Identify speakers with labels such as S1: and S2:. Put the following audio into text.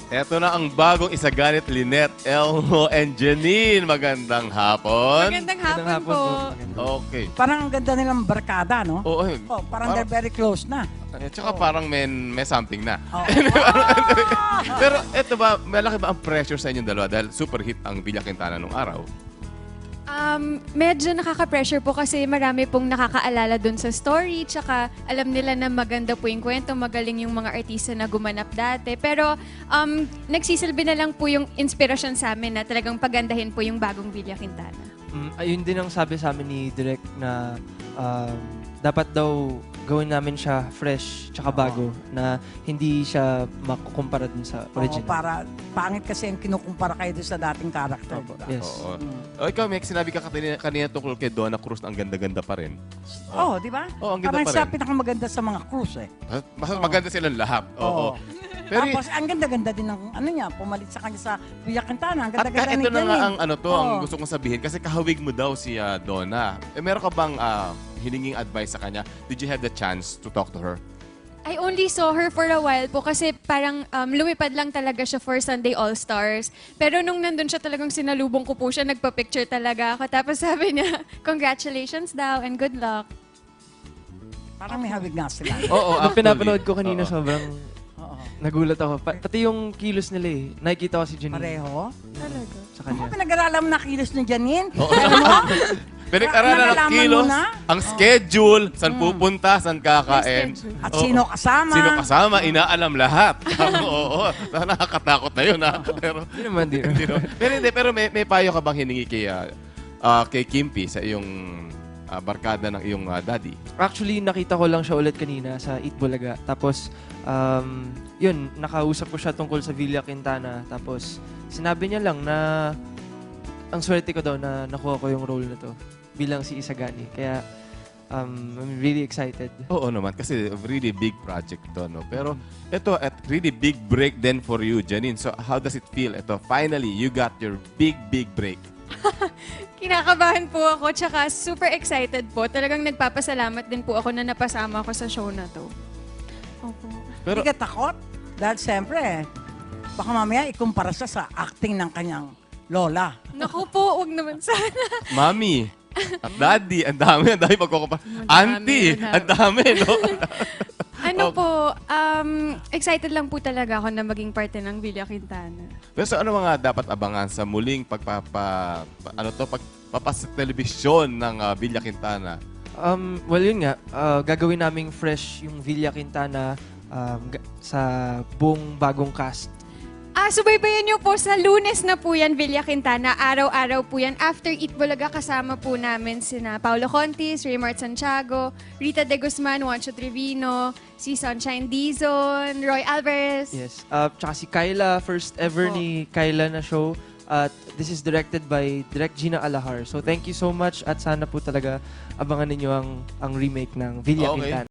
S1: Eto na ang bagong Isaganit, Lynette, Elmo, and Janine. Magandang hapon.
S2: Magandang hapon po.
S1: Okay.
S3: Parang ang ganda nilang barkada, no?
S1: Oo,
S3: Oh, parang they're very close na.
S1: Tsaka parang may something na.
S3: Oh.
S1: Pero eto ba, malaki ba ang pressure sa inyong dalawa dahil super hit ang Villa Quintana nung araw?
S2: Medyo nakaka-pressure po kasi marami pong nakakaalala dun sa story. Tsaka alam nila na maganda po yung kwento, magaling yung mga artista na gumanap dati. Pero nagsisilbi na lang po yung inspirasyon sa amin na talagang pagandahin po yung bagong Villa Quintana.
S4: Ayun din ang sabi sa amin ni Direk na dapat daw gawin namin siya fresh tsaka bago na hindi siya makukumpara dun sa
S3: Oo,
S4: original.
S3: para pangit kasi ang kinukumpara kayo doon sa dating character.
S4: Opo,
S3: Diba?
S4: yes.
S1: Oo. O ikaw, Meg, sinabi ka kanina tungkol kay Donna Cruz na ang ganda-ganda pa rin.
S3: Oh, di ba?
S1: Oo, ang ganda
S3: Parang
S1: pa
S3: siya
S1: rin.
S3: pinakamaganda sa mga cruise eh.
S1: Mas maganda silang lahat. Oo.
S3: Oo.
S1: Pero
S3: Tapos ang ganda-ganda din ng ano niya, pumalit sa kanya sa Villa Quintana. Ang
S1: at
S3: ganda-ganda ni
S1: ito na nga
S3: Janine.
S1: ang ano to, ang
S3: Oo.
S1: gusto kong sabihin kasi kahawig mo daw si Donna. Meron ka bang hininging advice sa kanya? Did you have the chance to talk to her?
S2: I only saw her for a while po kasi parang lumipad lang talaga siya for Sunday All-Stars. Pero nung nandun siya talagang sinalubong ko po siya, nagpa-picture talaga ako. Tapos sabi niya, congratulations daw and good luck.
S3: Parang may hawig nga sila.
S1: Oo,
S4: Nung pinapanood ko kanina,
S1: Oo.
S4: sobrang
S3: Oo.
S4: nagulat ako. Pati yung kilos nila eh. Nakikita ko si Janine
S3: Pareho.
S2: Talaga.
S4: sa
S3: Ako
S4: kanya.
S3: pinag-aralan mo na kilos ni Janine.
S1: Oo.
S3: Alam mo?
S1: Pinag-aralan ng
S3: Nalalaman mo
S1: kilos,
S3: na?
S1: ang schedule, saan pupunta, saan kakain.
S2: Schedule.
S3: At
S1: Oo.
S3: sino kasama.
S1: Sino kasama, inaalam lahat. Oo, nakakatakot na yun. Pero,
S4: Hindi naman, di.
S1: pero may payo ka bang hiningi kay Kimpi sa iyong barkada ng iyong daddy?
S4: Actually, nakita ko lang siya ulit kanina sa Eat Bulaga. Tapos, yun, nakausap ko siya tungkol sa Villa Quintana. Tapos, sinabi niya lang na ang swerte ko daw na nakuha ko yung role na to bilang si Isagani. Kaya, I'm really excited.
S1: Oo naman, kasi really big project to, no? Pero ito, at really big break then for you, Janine. So, how does it feel? Ito, finally, you got your big break.
S2: Kinakabahan po ako, tsaka super excited po. Talagang nagpapasalamat din po ako na napasama ako sa show na to. Opo.
S1: Pero,
S3: Hindi ka takot? Dahil siyempre, baka mamaya ikumpara siya sa acting ng kanyang lola.
S2: Naku po, wag naman sana.
S1: Mami, at Daddy, ang dami pagkukumpara. Auntie, ang dami, no?
S2: Ano po, excited lang po talaga ako na maging parte ng Villa Quintana.
S1: Pero so, ano mga dapat abangan sa muling pagpapasa-telebisyon ng Villa Quintana?
S4: Well, yun nga. Gagawin naming fresh yung Villa Quintana sa buong bagong cast.
S2: Subaybayan niyo po sa Lunes na po yan, Villa Quintana. Araw-araw po yan. After Eat Bulaga, kasama po namin sina Paulo Contis, Raymart Santiago, Rita De Guzman, Juancho Trevino, si Sunshine Dizon, Roy Alvarez.
S4: Yes. Tsaka si Kyla, first ever ni Kyla na show. At this is directed by Direk Gina Alahar. So thank you so much at sana po talaga abangan ninyo ang remake ng Villa
S1: Okay.
S4: Quintana.